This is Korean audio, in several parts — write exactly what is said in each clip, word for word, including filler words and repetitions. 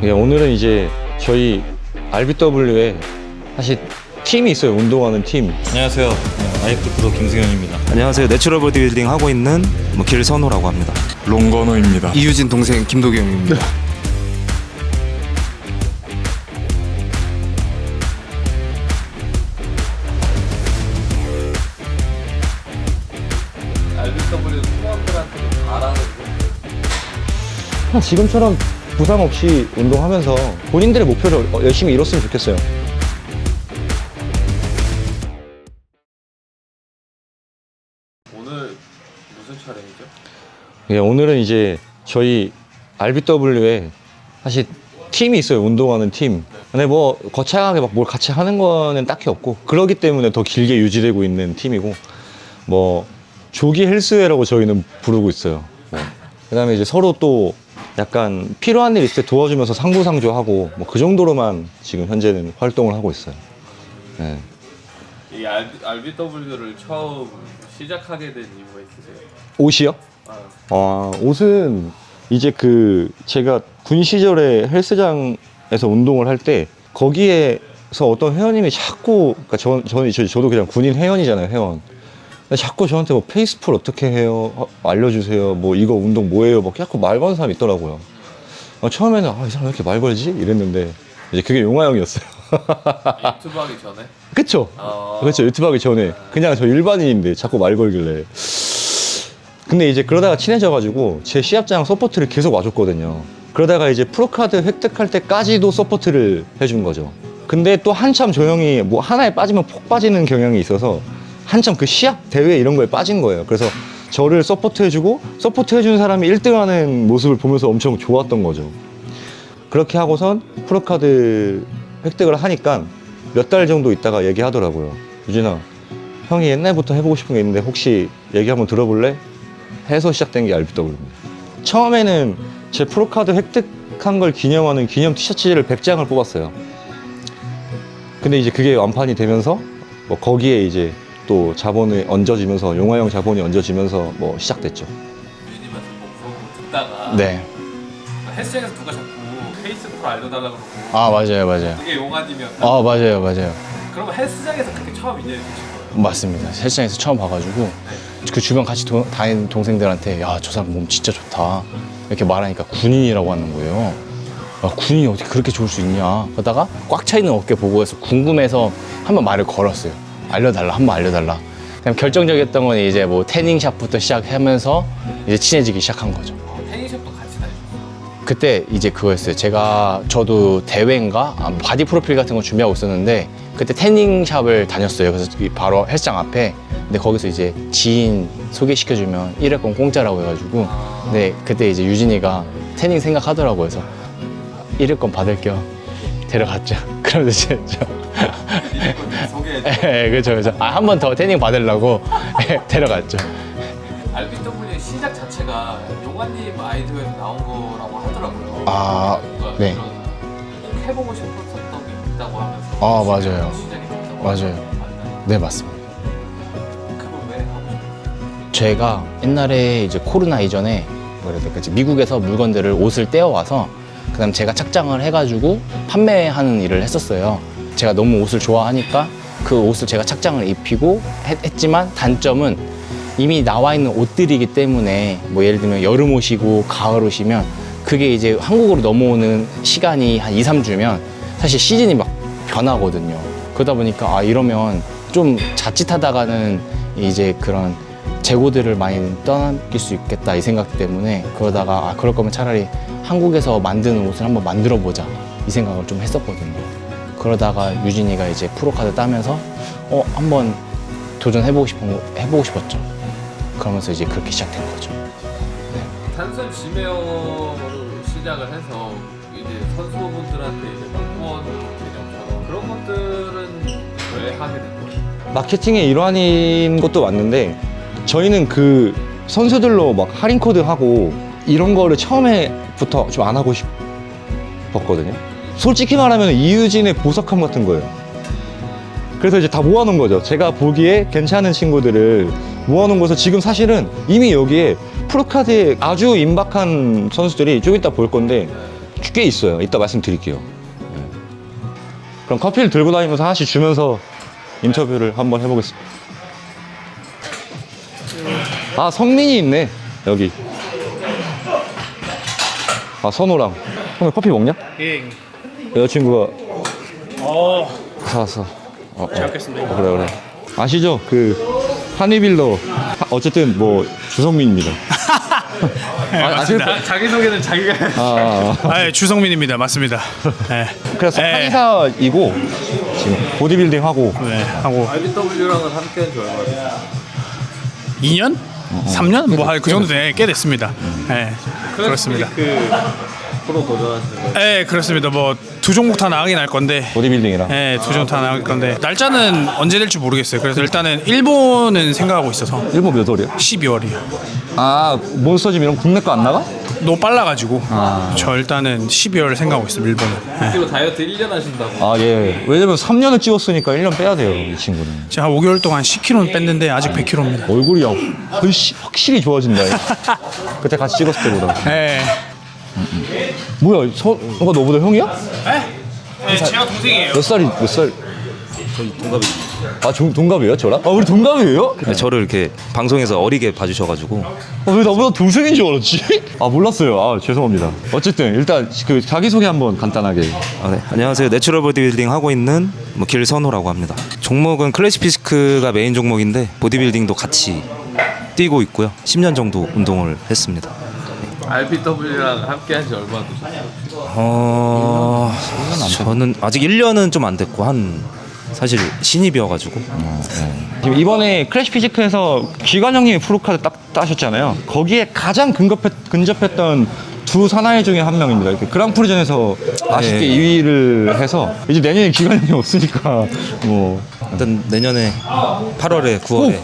예, 오늘은 이제 저희 알비더블유에 사실 팀이 있어요. 운동하는 팀. 안녕하세요. 네, 아이프 프로 김승현입니다. 안녕하세요. 내추럴 보디빌딩 하고 있는 뭐 길선호라고 합니다. 롱건호입니다. 이유진 동생 김도경입니다. 알비더블유 팀원들한테 바라는 그냥 지금처럼 부상 없이 운동하면서 본인들의 목표를 열심히 이뤘으면 좋겠어요. 오늘 무슨 촬영이죠? 예, 오늘은 이제 저희 알비더블유에 사실 팀이 있어요. 운동하는 팀. 근데 뭐 거창하게 막 뭘 같이 하는 거는 딱히 없고 그러기 때문에 더 길게 유지되고 있는 팀이고 뭐 조기 헬스회라고 저희는 부르고 있어요. 뭐. 그다음에 이제 서로 또 약간 필요한 일 있을 때 도와주면서 상부상조하고 뭐 그 정도로만 지금 현재는 활동을 하고 있어요. 네. 이 알비, 알비더블유를 처음 시작하게 된 이유가 있으세요? 옷이요? 아, 아, 옷은 이제 그 제가 군 시절에 헬스장에서 운동을 할 때 거기에서 어떤 회원님이 자꾸 그러니까 저, 저는 저, 저도 그냥 군인 회원이잖아요, 회원. 근데 자꾸 저한테 뭐 페이스풀 어떻게 해요? 어, 알려주세요. 뭐 이거 운동 뭐예요? 막 자꾸 말 거는 사람이 있더라고요. 어, 처음에는 아, 이 사람 왜 이렇게 말 걸지? 이랬는데 이제 그게 용화 형이었어요. 유튜브 하기 전에? 그쵸? 어... 그렇죠. 유튜브 하기 전에 그냥 저 일반인인데 자꾸 말 걸길래. 근데 이제 그러다가 친해져가지고 제 시합장 서포트를 계속 와줬거든요. 그러다가 이제 프로카드 획득할 때까지도 서포트를 해준 거죠. 근데 또 한참 저 형이 뭐 하나에 빠지면 폭 빠지는 경향이 있어서 한참 그 시합 대회 이런 거에 빠진 거예요. 그래서 저를 서포트 해주고 서포트 해준 사람이 일 등 하는 모습을 보면서 엄청 좋았던 거죠. 그렇게 하고선 프로카드 획득을 하니까 몇 달 정도 있다가 얘기하더라고요. 유진아, 형이 옛날부터 해보고 싶은 게 있는데 혹시 얘기 한번 들어볼래? 해서 시작된 게 알비더블유입니다. 처음에는 제 프로카드 획득한 걸 기념하는 기념 티셔츠를 백 장을 뽑았어요. 근데 이제 그게 완판이 되면서 뭐 거기에 이제 또 자본이 얹어지면서 용화형 자본이 얹어지면서 뭐 시작됐죠. 유진님한테 뭐 물어보고 듣다가 네. 헬스장에서 누가 자꾸 페이스풀 알려달라고 그러고 아 맞아요, 맞아요. 그게 용환님이었나? 아 맞아요, 맞아요. 그러면 헬스장에서 그렇게 처음 인연이 되신 거예요? 맞습니다. 헬스장에서 처음 봐가지고 그 주변 같이 도, 다니는 동생들한테 야, 저 사람 몸 진짜 좋다 이렇게 말하니까 군인이라고 하는 거예요. 아, 군인이 어떻게 그렇게 좋을 수 있냐. 그러다가 꽉 차 있는 어깨 보고 해서 궁금해서 한번 말을 걸었어요. 알려달라, 한번 알려달라. 그냥 결정적이었던 건 이제 뭐 태닝샵부터 시작하면서 이제 친해지기 시작한 거죠. 어, 태닝샵도 같이 다니셨어요? 그때 이제 그거였어요. 제가 저도 대회인가 아, 바디 프로필 같은 거 준비하고 있었는데 그때 태닝샵을 다녔어요. 그래서 바로 헬스장 앞에. 근데 거기서 이제 지인 소개시켜주면 일 회권 공짜라고 해가지고 근데 그때 이제 유진이가 태닝 생각하더라고요. 그래서 일 회권 받을 겸 데려갔죠. 그러면서 이제 저 소개해줘. 예, 그렇죠, 그렇죠. 아, 한 번 더 태닝 받으려고 데려갔죠. 알비더블유의 시작 자체가 용환님 아이디어에서 나온 거라고 하더라고요. 아, 뭔가 네. 이런 꼭 해보고 싶었던 게 있다고 하면서 아, 맞아요. 시작이 됐다고 맞아요. 맞나요? 네, 맞습니다. 그걸 왜 하고 싶었어요? 제가 옛날에 이제 코로나 이전에 뭐라 해야 될까, 미국에서 물건들을 옷을 떼어와서 그다음 제가 착장을 해가지고 판매하는 일을 했었어요. 제가 너무 옷을 좋아하니까 그 옷을 제가 착장을 입히고 했, 했지만 단점은 이미 나와 있는 옷들이기 때문에 뭐 예를 들면 여름 옷이고 가을 옷이면 그게 이제 한국으로 넘어오는 시간이 한 이, 삼 주면 사실 시즌이 막 변하거든요. 그러다 보니까 아 이러면 좀 자칫하다가는 이제 그런 재고들을 많이 떠넘길 수 있겠다 이 생각 때문에 그러다가 아 그럴 거면 차라리 한국에서 만드는 옷을 한번 만들어 보자 이 생각을 좀 했었거든요. 그러다가 유진이가 이제 프로카드 따면서 어 한번 도전해보고 싶은 거 해보고 싶었죠. 그러면서 이제 그렇게 시작된 거죠. 단순 지메어로 시작을 해서 이제 선수분들한테 이제 후원 개념처럼 그런 것들은 왜 하게 된 거예요? 마케팅의 일환인 것도 맞는데 저희는 그 선수들로 막 할인 코드 하고 이런 거를 처음에부터 좀 안 하고 싶었거든요. 솔직히 말하면 이유진의 보석함 같은 거예요. 그래서 이제 다 모아놓은 거죠. 제가 보기에 괜찮은 친구들을 모아놓은 거서 지금 사실은 이미 여기에 프로카드에 아주 임박한 선수들이 좀 이따 볼 건데 꽤 있어요. 이따 말씀드릴게요. 네. 그럼 커피를 들고 다니면서 하나씩 주면서 인터뷰를 한번 해보겠습니다. 아, 성민이 있네 여기. 아, 선호랑. 형님 커피 먹냐? 예. 여자친구가 어, 사왔어. 어, 잘 어. 먹겠습니다. 어, 그래 그래. 아시죠? 그 한이빌더 하- 어쨌든 뭐 주성민입니다. 아, 아실 거- 맞습니다. 자기 소개는 자기가. 아, 아, 아, 예, 주성민입니다. 맞습니다. 네. 그래서 네. 한의사이고 지금 보디빌딩 하고 네, 하고 알비더블유랑은 함께한 지 얼마 됐어요? 이 년? 삼 년? 뭐 그 정도 돼. 꽤 됐습니다. 네, 그렇습니다. 그 프로 도전하시는 거예요? 네, 그렇습니다. 뭐 두 종목 다 나가긴 할 건데. 보디빌딩이랑. 네, 두 종목 다 나갈 건데 날짜는 언제 될지 모르겠어요. 그래서 일단은 일본은 생각하고 있어서 일본 몇 월이야? 십이월이요. 아, 몬스터짐 이런 거 국내 거 안 나가? 너무 빨라가지고 저 일단은 십이월 생각하고 있어요. 일본은. 네. 그리고 다이어트 일 년 하신다고. 아, 예. 왜냐면 삼 년을 찍었으니까 일 년 빼야 돼요, 이 친구는. 제가 한 오 개월 동안 십 킬로그램 뺐는데 아직 백 킬로그램입니다. 얼굴이 훨씬 확실히 좋아진다. 그때 같이 찍었을 때보다. 네. 뭐야, 서, 너가 너보다 형이야? 네? 네, 제가 동생이에요. 몇 살이, 몇 살? 저희 동갑이. 아, 종, 동갑이에요, 저랑? 아, 우리 동갑이에요? 저를 이렇게 방송에서 어리게 봐주셔가지고 어, 왜 나보다 동생인 줄 알았지? 아, 몰랐어요. 아, 죄송합니다. 어쨌든, 일단, 그, 자기소개 한번 간단하게. 아, 네. 안녕하세요. 내추럴 보디빌딩 하고 있는 뭐 길선호라고 합니다. 종목은 클래식 피지크가 메인 종목인데 보디빌딩도 같이 뛰고 있고요. 십 년 정도 운동을 했습니다. 알비더블유랑 함께한 지 얼마 되셨어요? 어... 저는 아직 일 년은 좀 안 됐고 한 사실 신입이어가지고 지금 이번에 클래식 피지크에서 기관 형님이 프로카드 딱 따셨잖아요. 거기에 가장 근접했, 근접했던 두 사나이 중에 한 명입니다. 이렇게 그랑프리전에서 아쉽게 네. 이 위를 해서 이제 내년에 기관 형님 없으니까 뭐 일단 내년에 팔월에 구월에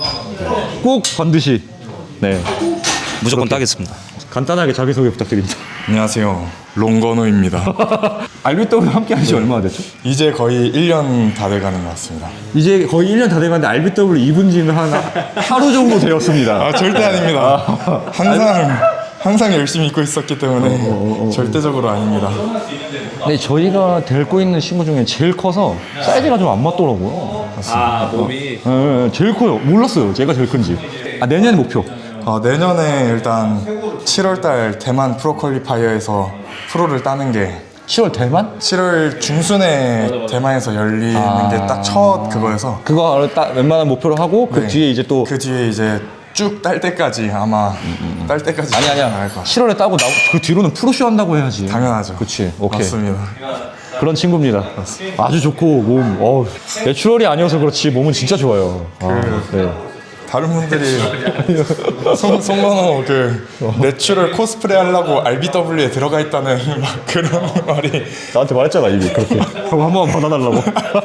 꼭 반드시 네 무조건 따겠습니다. 간단하게 자기소개 부탁드립니다. 안녕하세요. 롱건호입니다. 알비더블유 함께 하신 지 얼마나 됐죠? 이제 거의 일 년 다 돼가는 것 같습니다. 이제 거의 일 년 다 돼가는데 알비더블유 입은 지는 한 하루 정도 되었습니다. 아, 절대 아닙니다. 항상 항상 열심히 입고 있었기 때문에 절대적으로 아닙니다. 근데 저희가 데리고 있는 친구 중에 제일 커서 사이즈가 좀 안 맞더라고요. 아 몸이 네, 네, 제일 커요. 몰랐어요. 제가 제일 큰지. 아, 내년에 목표. 어, 내년에 일단 칠월달 대만 프로퀄리파이어에서 프로를 따는 게 시월 대만? 칠월 중순에 대만에서 열리는 아. 게 딱 첫 그거여서 그거 딱 웬만한 목표로 하고 그 네. 뒤에 이제 또 그 뒤에 이제 쭉 딸 때까지 아마 딸 때까지 아니 아니야. 나갈 것 같아요. 칠월에 따고 나, 그 뒤로는 프로쇼 한다고 해야지. 당연하죠. 그치. 오케이. 맞습니다. 그런 친구입니다. 아주 좋고 몸. 어우, 내추럴이 아니어서 그렇지 몸은 진짜 좋아요. 아, 네. 다른 분들이 송, 송건호 그 내추럴 코스프레 하려고 알비더블유에 들어가 있다는 막 그런 말이 나한테 말했잖아 이미 그렇게. 형 한 번 받아달라고.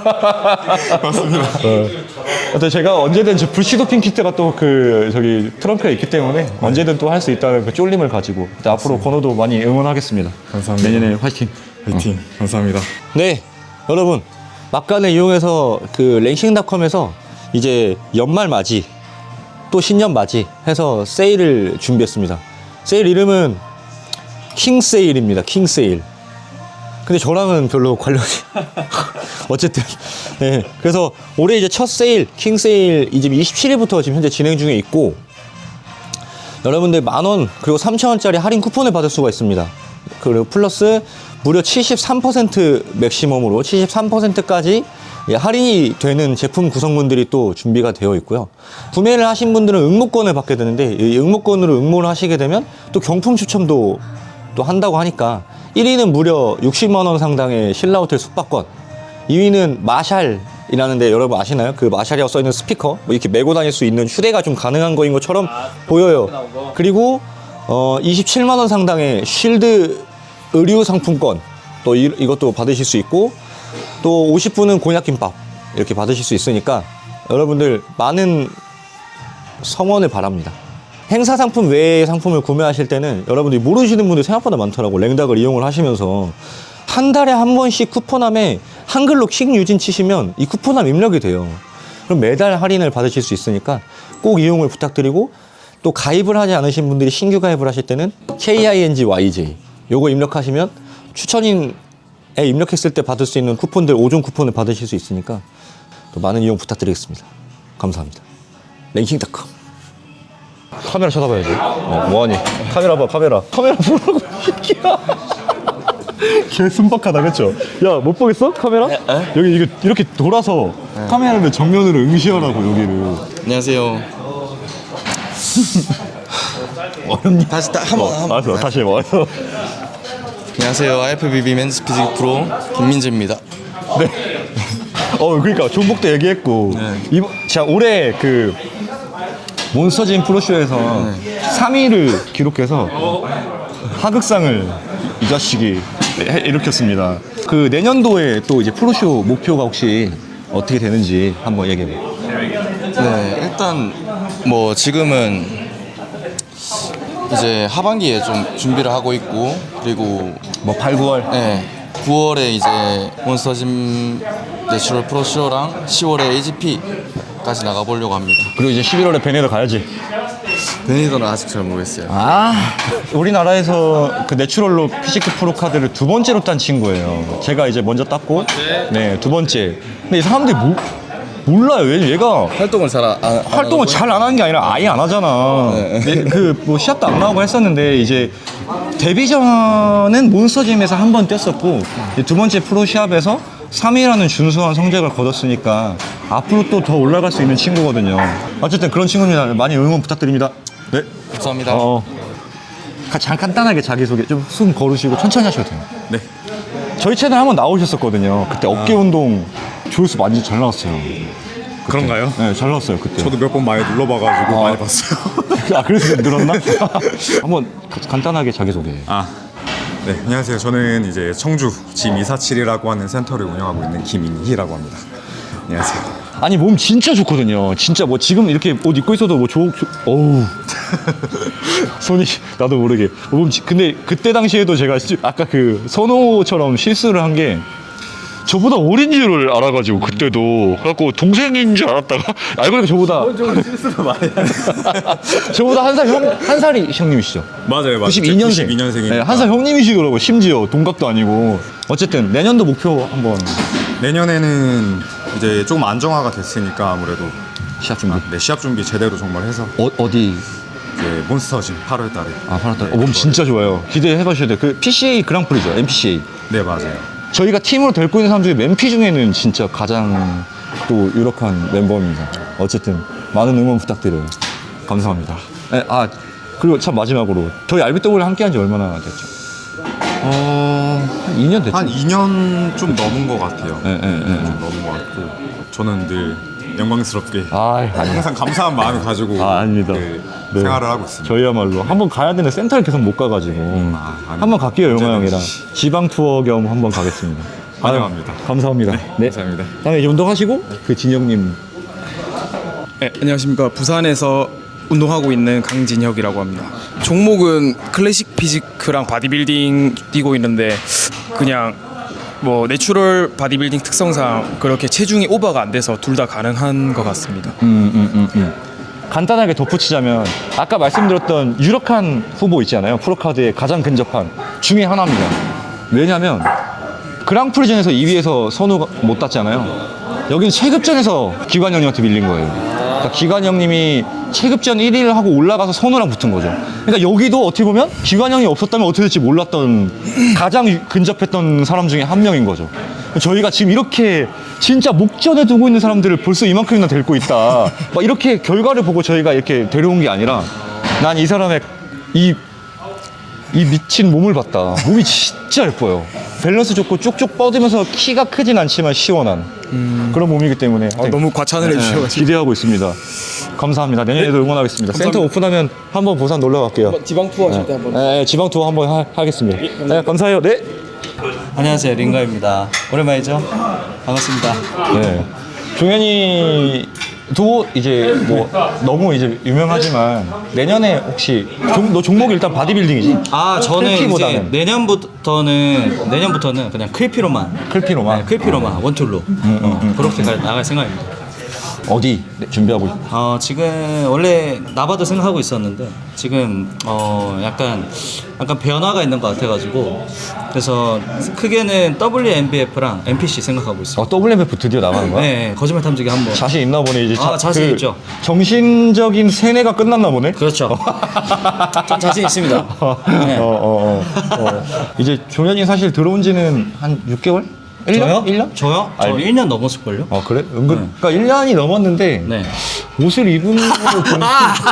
맞습니다. 어. 하여튼 제가 언제든 저 불시도핑 키트가 또 그 저기 트렁크에 있기 때문에 언제든 또 할 수 있다는 그 쫄림을 가지고 일단 앞으로 건호도 많이 응원하겠습니다. 감사합니다. 내년에 화이팅. 화이팅. 감사합니다. 네, 여러분 막간을 이용해서 그 랭싱닷컴에서 이제 연말 맞이 또 신년 맞이 해서 세일을 준비했습니다. 세일 이름은 킹 세일입니다. 킹 세일. 근데 저랑은 별로 관련이 어쨌든 네, 그래서 올해 이제 첫 세일 킹 세일 이제 이십칠 일부터 지금 현재 진행 중에 있고 여러분들 만 원 그리고 삼천 원짜리 할인 쿠폰을 받을 수가 있습니다. 그리고 플러스 무려 칠십삼 퍼센트 맥시멈으로 칠십삼 퍼센트까지 할인이 되는 제품 구성분들이 또 준비가 되어 있고요. 구매를 하신 분들은 응모권을 받게 되는데 이 응모권으로 응모를 하시게 되면 또 경품 추첨도 또 한다고 하니까 일 위는 무려 육십만 원 상당의 신라 호텔 숙박권, 이 위는 마샬이라는데 여러분 아시나요? 그 마샬이라고 써있는 스피커 뭐 이렇게 메고 다닐 수 있는 휴대가 좀 가능한 거인 것처럼 보여요. 그리고 어, 이십칠만 원 상당의 쉴드 의류 상품권 또 이, 이것도 받으실 수 있고 또 오십 분은 곤약김밥 이렇게 받으실 수 있으니까 여러분들 많은 성원을 바랍니다. 행사 상품 외의 상품을 구매하실 때는 여러분들이 모르시는 분들 생각보다 많더라고. 랭닥을 이용을 하시면서 한 달에 한 번씩 쿠폰함에 한글로 킹유진 치시면 이 쿠폰함 입력이 돼요. 그럼 매달 할인을 받으실 수 있으니까 꼭 이용을 부탁드리고 또 가입을 하지 않으신 분들이 신규 가입을 하실 때는 킹유진제이 요거 입력하시면 추천인에 입력했을 때 받을 수 있는 쿠폰들 오 종 쿠폰을 받으실 수 있으니까 또 많은 이용 부탁드리겠습니다. 감사합니다. 랭킹닷컴. 카메라 쳐다봐야지. 어, 뭐하니? 카메라 봐, 카메라. 카메라 보라고, 이 새끼야. 개 순박하다, 그쵸? 야, 못 보겠어? 카메라? 여기 이거 이렇게 돌아서 카메라를 정면으로 응시하라고, 여기를. 안녕하세요. 어렵니? 다시 다 한번 어, 한번. 알았어, 다시 해봐. 안녕하세요. 아이에프비비 맨스 피지크 프로 김민재입니다. 네. 어, 그러니까 종목도 얘기했고 이번 자 올해 그 몬스터진 프로쇼에서 삼 위를 기록해서 하극상을 이 자식이 해- 일으켰습니다. 그 내년도에 또 이제 프로쇼 목표가 혹시 어떻게 되는지 한번 얘기해 봐. 네, 일단 뭐 지금은 이제 하반기에 좀 준비를 하고 있고 그리고 뭐 팔, 구월. 네, 구월에 이제 몬스터짐 내추럴 프로쇼랑 시월에 에이지피까지 나가보려고 합니다. 그리고 이제 십일월에 베네더 가야지. 베니더는 아직 잘 모르겠어요. 아, 우리나라에서 그 내추럴로 피지크 프로 카드를 두 번째로 딴 친구예요. 제가 이제 먼저 땄고, 네, 두 번째. 근데 이 사람들이 모, 몰라요. 왜냐면 얘가 활동을 잘 안, 안 활동을 잘 안 하는 게 아니라 아예 안 하잖아. 그 뭐 시합도 안 나오고 했었는데 이제 데뷔 전은 몬스터짐에서 한 번 뛰었었고 이제 두 번째 프로 시합에서 삼 위라는 준수한 성적을 거뒀으니까 앞으로 또 더 올라갈 수 있는 친구거든요. 어쨌든 그런 친구입니다. 많이 응원 부탁드립니다. 네. 감사합니다. 어. 가- 잠깐 간단하게 자기소개 좀 숨 거르시고 천천히 하셔도 돼요. 네. 저희 채널 한번 나오셨었거든요. 그때 어깨 운동 조회수 많이 잘 나왔어요. 그런가요? 네, 잘 나왔어요 그때. 저도 몇 번 많이 눌러봐가지고 많이 봤어요. 아, 그래서 좀 늘었나? 한번 가- 간단하게 자기소개. 아, 네, 안녕하세요. 저는 이제 청주 짐 이사칠이라고 하는 센터를 운영하고 있는 김인희라고 합니다. 안녕하세요. 아니 몸 진짜 좋거든요. 진짜 뭐 지금 이렇게 옷 입고 있어도 뭐 좋, 좋 어우 손이 나도 모르게 몸 지- 근데 그때 당시에도 제가 시- 아까 그 선호처럼 실수를 한 게 저보다 어린 줄 알아가지고 그때도 그래갖고 동생인 줄 알았다가 알고 보니까 저보다 실수를 많이 저보다 한 살 형 한 살이 형님이시죠? 맞아요, 맞아요. 구십이 년생. 구십이 년생이니까. 네, 한 살 형님이시더라고. 심지어 동갑도 아니고. 어쨌든 내년도 목표 한번 내년에는 이제 조금 안정화가 됐으니까 아무래도 시합 준비. 네, 시합 준비 제대로 정말 해서 어, 어디? 이제 몬스터짐 팔월 달에. 아, 팔월 달에. 네, 어, 몸 그거를- 진짜 좋아요. 기대해 봐주셔야 돼요. 그 피씨에이 그랑프리죠. 엠피씨에이. 네, 맞아요. 저희가 팀으로 데리고 있는 사람 중에 맨피 중에는 진짜 가장 또 유력한 멤버입니다. 어쨌든 많은 응원 부탁드려요. 감사합니다. 네, 아, 그리고 참 마지막으로 저희 알비더블유 함께 한 지 얼마나 됐죠? 어, 한 이 년 됐죠? 한 이 년 좀 넘은 것 같아요. 네, 네, 네, 네. 좀 넘은 것 같고 저는 늘 영광스럽게 아, 아니. 항상 감사한 마음을 가지고 아, 아닙니다. 그 네. 생활을 하고 있습니다. 저희야말로 한번 가야 되는 센터를 계속 못 가가지고 아, 아니, 한번 갈게요. 영화 형이랑 언제든지. 지방 투어 겸 한번 가겠습니다. 환영합니다. 아유, 감사합니다. 네, 감사합니다. 다음에 이제 운동하시고 그 진영님. 네, 안녕하십니까. 부산에서 운동하고 있는 강진혁이라고 합니다. 종목은 클래식 피지크랑 바디빌딩 뛰고 있는데 그냥 뭐 내추럴 바디빌딩 특성상 그렇게 체중이 오버가 안 돼서 둘 다 가능한 것 같습니다. 음, 음, 음, 음. 간단하게 덧붙이자면 아까 말씀드렸던 유력한 후보 있잖아요. 프로카드에 가장 근접한 중에 하나입니다. 왜냐면 그랑프리전에서 이 위에서 선우 못 땄잖아요. 여기는 체급전에서 기관 형님한테 밀린 거예요. 그러니까 기관 형님이 체급전 일 위를 하고 올라가서 선우랑 붙은 거죠. 그러니까 여기도 어떻게 보면 기관 형이 없었다면 어떻게 될지 몰랐던 가장 유- 근접했던 사람 중에 한 명인 거죠. 저희가 지금 이렇게 진짜 목전에 두고 있는 사람들을 벌써 이만큼이나 데리고 있다. 막 이렇게 결과를 보고 저희가 이렇게 데려온 게 아니라 난 이 사람의 이 이 미친 몸을 봤다. 몸이 진짜 예뻐요. 밸런스 좋고 쭉쭉 뻗으면서 키가 크진 않지만 시원한 그런 몸이기 때문에 어, 너무 과찬을 해주셔가지고 기대하고 있습니다. 감사합니다. 내년에도 응원하겠습니다. 센터 오픈하면 한번 부산 놀러 갈게요. 지방 투어 하실 때 한번. 네, 네, 지방 투어 한번 하, 하겠습니다. 네, 감사해요. 네. 안녕하세요, 링가입니다. 오랜만이죠? 반갑습니다. 네. 종현이도 이제 뭐 너무 이제 유명하지만 내년에 혹시 종, 너 종목이 일단 바디빌딩이지? 아, 저는 클피보다는. 이제 내년부터는 내년부터는 그냥 클피로만, 클피로만. 네, 클피로만 원툴로 어, 그렇게 가- 나갈 생각입니다. 어디 준비하고 있... 어, 지금 원래 나바도 생각하고 있었는데 지금 어 약간 약간 변화가 있는 것 같아가지고 그래서 크게는 더블유엠비에프랑 엠피씨 생각하고 있어요. 어, 더블유엠에프 드디어 나가는 거야? 네, 거짓말 탐지기 한번. 자신 있나 보네 이제. 아, 자신 그 있죠. 정신적인 세뇌가 끝났나 보네. 그렇죠. 전 자신 있습니다. 네. 어, 어, 어, 어. 이제 종현이 사실 들어온 지는 한 육 개월? 일 년? 저요? 일 년? 저요? 저 아니, 일 년 넘었을걸요? 아 그래? 은근 그러니까 일 년이 넘었는데 네. 옷을 입은 걸로 보면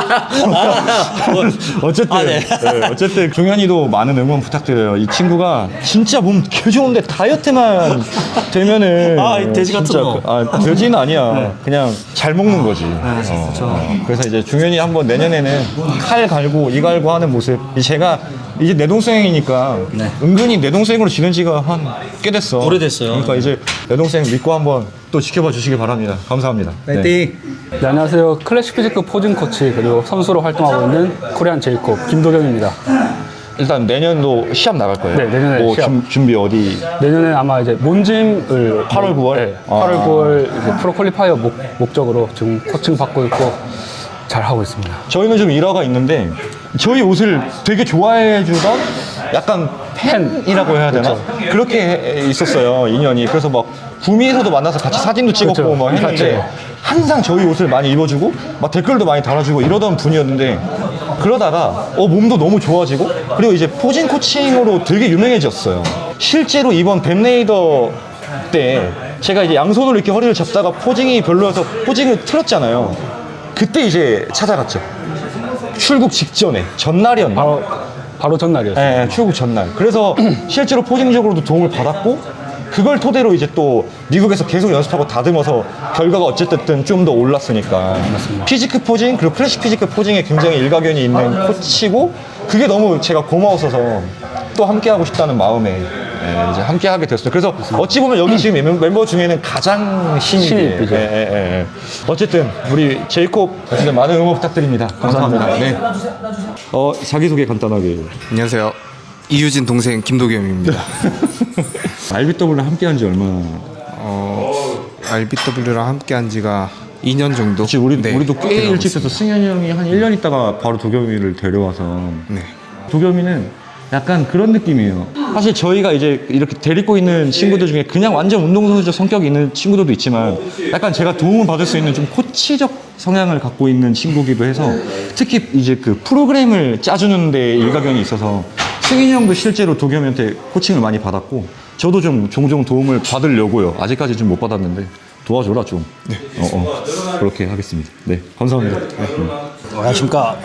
어쨌든 아, 네. 네, 어쨌든 종현이도 많은 응원 부탁드려요. 이 친구가 진짜 몸 개 좋은데 다이어트만 되면은 아, 이 돼지 같은 진짜 거. 그- 아 돼지는 아니야. 네. 그냥 잘 먹는 거지. 어, 어. 그래서 이제 종현이 한번 내년에는 칼 갈고 이 갈고 하는 모습. 이 제가 이제 내 동생이니까 네. 은근히 내 동생으로 지낸 지가 한 꽤 됐어. 오래됐어요. 그러니까 이제 내 동생 믿고 한번 또 지켜봐 주시기 바랍니다. 감사합니다. 네. 네. 네, 안녕하세요. 클래식 피지크 포징 코치 그리고 선수로 활동하고 있는 코리안 제이콥 김도경입니다. 일단 내년도 시합 나갈 거예요. 네, 내년에 뭐 시합. 준- 준비 어디? 내년에 아마 이제 몬짐을 팔월, 구월? 네, 아. 팔월, 구월 이제 프로 퀄리파이어 목, 목적으로 지금 코칭 받고 있고 잘 하고 있습니다. 저희는 좀 일화가 있는데 저희 옷을 되게 좋아해 주던 약간 팬이라고 해야 되나? 그렇죠. 그렇게 해- 있었어요 인연이. 그래서 막 구미에서도 만나서 같이 사진도 찍었고 그렇죠. 막 했는데 그렇죠. 항상 저희 옷을 많이 입어주고 막 댓글도 많이 달아주고 이러던 분이었는데 그러다가 어 몸도 너무 좋아지고 그리고 이제 포징 코칭으로 되게 유명해졌어요. 실제로 이번 뱀레이더 때 제가 이제 양손으로 이렇게 허리를 잡다가 포징이 별로여서 포징을 틀었잖아요. 그때 이제 찾아갔죠. 출국 직전에 전날이었나? 바로 바로 전날이었어요. 네, 출국 전날. 그래서 실제로 포징적으로도 도움을 받았고 그걸 토대로 이제 또 미국에서 계속 연습하고 다듬어서 결과가 어쨌든 좀 더 올랐으니까. 피지크 포징 그리고 클래식 피지크 포징에 굉장히 일가견이 있는 코치고 그게 너무 제가 고마웠어서 또 함께 하고 싶다는 마음에 예, 이제 함께 하게 됐어요. 그래서 어찌 보면 여기 지금 멤- 멤버 중에는 가장 신입이에요. 신입이죠. 예, 예, 예. 어쨌든 우리 제이콥 어쨌든 많은 응원 부탁드립니다. 감사합니다. 네. 어 자기소개 간단하게. 안녕하세요. 이유진 동생 김도겸입니다. 알비더블유랑 함께한 지 얼마나? 어, 알비더블유랑 함께한 지가 이 년 정도. 그치, 우리, 네, 우리도 꽤 돼가고 일찍 돼서 있습니다. 승현이 형이 한 일 년 있다가 바로 도겸이를 데려와서 네. 도겸이는 약간 그런 느낌이에요. 사실 저희가 이제 이렇게 데리고 있는 친구들 중에 그냥 완전 운동선수적 성격이 있는 친구들도 있지만 약간 제가 도움을 받을 수 있는 좀 코치적 성향을 갖고 있는 친구기도 해서 특히 이제 그 프로그램을 짜주는 데 일가견이 있어서 승인이 형도 실제로 도겸이한테 코칭을 많이 받았고 저도 좀 종종 도움을 받으려고요. 아직까지 좀 못 받았는데 도와줘라 좀. 네. 어, 어. 그렇게 하겠습니다. 네. 감사합니다. 네. 음. 안녕하십니까.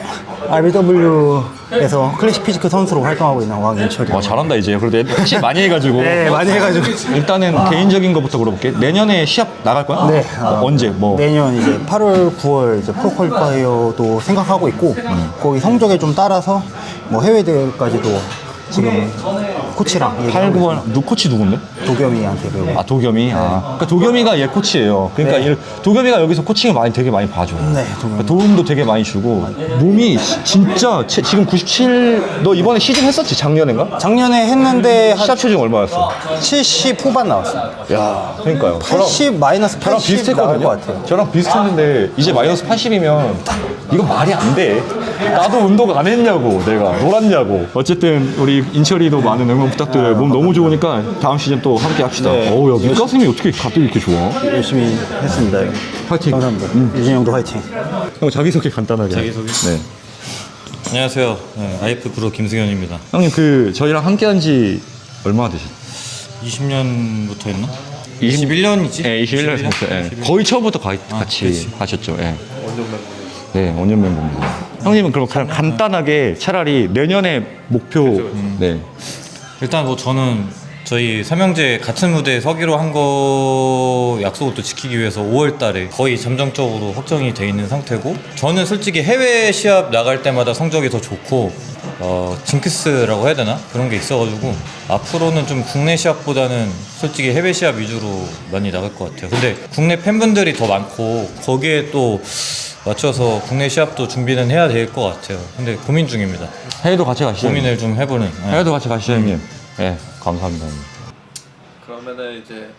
알비더블유에서 클래식 피지크 선수로 활동하고 있는 왕인철이요. 와 잘한다 이제. 그래도 애들 확실히 많이 해가지고. 네, 많이 해가지고. 일단은 개인적인 것부터 물어볼게. 내년에 시합 나갈 거야? 네. 어, 언제? 뭐? 내년 이제 팔월, 구월 이제 프로 퀄리파이어도 생각하고 있고 거기 성적에 좀 따라서 뭐 해외 대회까지도 지금 코치랑 얘기하고 팔, 구월 있습니다. 누 코치 누군데? 도겸이한테 배우고. 아 도겸이. 아 그러니까 도겸이가 얘 코치예요. 그러니까 네. 얘- 도겸이가 여기서 코칭을 많이 되게 많이 봐줘. 네, 그러니까 도움도 되게 많이 주고 몸이 시- 진짜 체- 지금 구십칠. 너 이번에 시즌 했었지 작년인가? 작년에 했는데 한 시합 체중 얼마였어? 칠십 후반 나왔어요. 야, 그러니까요. 팔십 마이너스 저랑 팔십 나올 비슷했거든요. 것 같아요. 저랑 비슷했는데 이제 마이너스 팔십이면 이거 말이 안 돼. 나도 운동 안 했냐고 내가 놀았냐고. 어쨌든 우리 인철이도 많은 응원 부탁드려요. 몸 너무 좋으니까 다음 시즌 또 함께 합시다. 네. 어우 야 밑가슴이 어떻게 가뜩 이렇게 좋아? 열심히 했습니다. 파이팅. 감사합니다. 유진 형도 화이팅. 형 자기소개 간단하게. 자기소개? 네. 안녕하세요. 네, 아이에프 프로 김승현입니다. 형님 그 저희랑 함께한 지 얼마나 되셨어요? 이십 년부터 했나? 이십일 년이지? 네, 이십일 년에서 했어요. 예. 거의 처음부터 가, 같이 그렇지. 하셨죠. 예. 네, 원년 멤버입니다. 형님은 그럼 그냥 간단하게 차라리 내년에 목표. 네. 일단 뭐 저는 저희 삼형제 같은 무대에 서기로 한 거 약속을 또 지키기 위해서 오월 달에 거의 잠정적으로 확정이 돼 있는 상태고 저는 솔직히 해외 시합 나갈 때마다 성적이 더 좋고 어, 징크스라고 해야 되나? 그런 게 있어가지고 앞으로는 좀 국내 시합보다는 솔직히 해외 시합 위주로 많이 나갈 것 같아요. 근데 국내 팬분들이 더 많고 거기에 또 맞춰서 국내 시합도 준비는 해야 될 것 같아요. 근데 고민 중입니다. 해외도 같이 가시죠. 고민을 좀 해보는. 네. 해외도 같이 가시죠, 형님. 네, 감사합니다. 형님. 그러면은 이제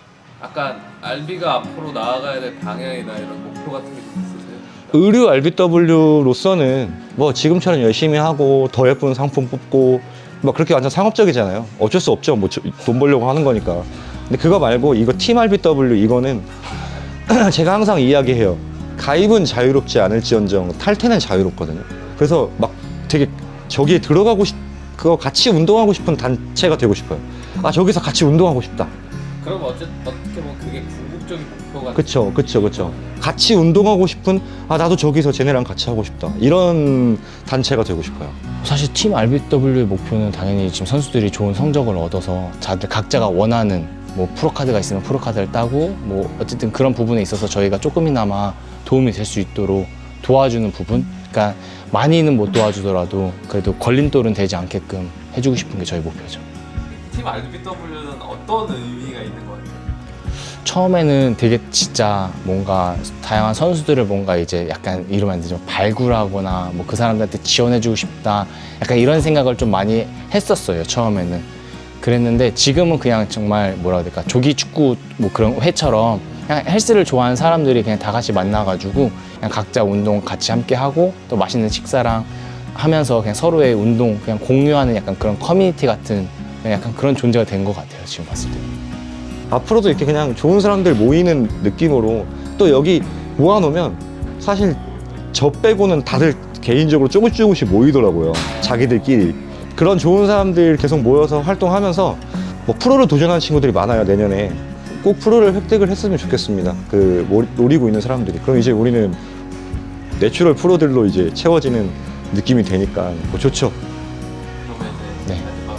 약간 알비가 앞으로 나아가야 될 방향이나 이런 목표 같은 게 좀 있으세요? 의류 알비더블유로서는 뭐 지금처럼 열심히 하고 더 예쁜 상품 뽑고 뭐 그렇게 완전 상업적이잖아요. 어쩔 수 없죠. 뭐 돈 벌려고 하는 거니까. 근데 그거 말고 이거 팀 알비더블유 이거는 제가 항상 이야기해요. 가입은 자유롭지 않을지언정 탈퇴는 자유롭거든요. 그래서 막 되게 저기에 들어가고 싶, 그거 같이 운동하고 싶은 단체가 되고 싶어요. 아 저기서 같이 운동하고 싶다. 그럼 어쨌 어떻게 보면 그게 궁극적인 목표가 그쵸, 그쵸, 그쵸. 같이 운동하고 싶은, 아, 나도 저기서 쟤네랑 같이 하고 싶다. 이런 단체가 되고 싶어요. 사실 팀 알비더블유의 목표는 당연히 지금 선수들이 좋은 성적을 얻어서 자들 각자가 원하는 뭐 프로카드가 있으면 프로카드를 따고 뭐 어쨌든 그런 부분에 있어서 저희가 조금이나마 도움이 될 수 있도록 도와주는 부분, 그러니까 많이는 못 도와주더라도 그래도 걸림돌은 되지 않게끔 해주고 싶은 게 저희 목표죠. 팀 알비더블유는 어떤 의미가 있는 것 같아요? 처음에는 되게 진짜 뭔가 다양한 선수들을 뭔가 이제 약간 이러면 안 되지만 발굴하거나 뭐 그 사람들한테 지원해주고 싶다 약간 이런 생각을 좀 많이 했었어요. 처음에는 그랬는데 지금은 그냥 정말 뭐라 해야 될까, 조기 축구 뭐 그런 회처럼 그냥 헬스를 좋아하는 사람들이 그냥 다 같이 만나가지고 그냥 각자 운동 같이 함께 하고 또 맛있는 식사랑 하면서 그냥 서로의 운동 그냥 공유하는 약간 그런 커뮤니티 같은 약간 그런 존재가 된 것 같아요. 지금 봤을 때. 앞으로도 이렇게 그냥 좋은 사람들 모이는 느낌으로 또 여기 모아놓으면 사실 저 빼고는 다들 개인적으로 조금 조금씩 모이더라고요. 자기들끼리. 그런 좋은 사람들 계속 모여서 활동하면서 뭐 프로를 도전하는 친구들이 많아요. 내년에 꼭 프로를 획득을 했으면 좋겠습니다. 그 노리고 있는 사람들이. 그럼 이제 우리는 내추럴 프로들로 이제 채워지는 느낌이 되니까 뭐 좋죠. 그러면 이제 네.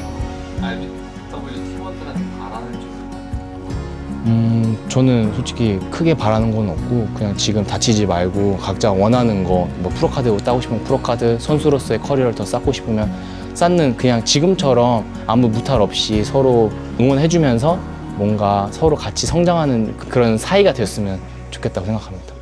알비더블유 팀원들한테 바라는 점. 음, 저는 솔직히 크게 바라는 건 없고 그냥 지금 다치지 말고 각자 원하는 거 뭐 프로카드 따고 싶으면 프로카드, 선수로서의 커리어를 더 쌓고 싶으면 쌓는 그냥 지금처럼 아무 무탈 없이 서로 응원해주면서 뭔가 서로 같이 성장하는 그런 사이가 됐으면 좋겠다고 생각합니다.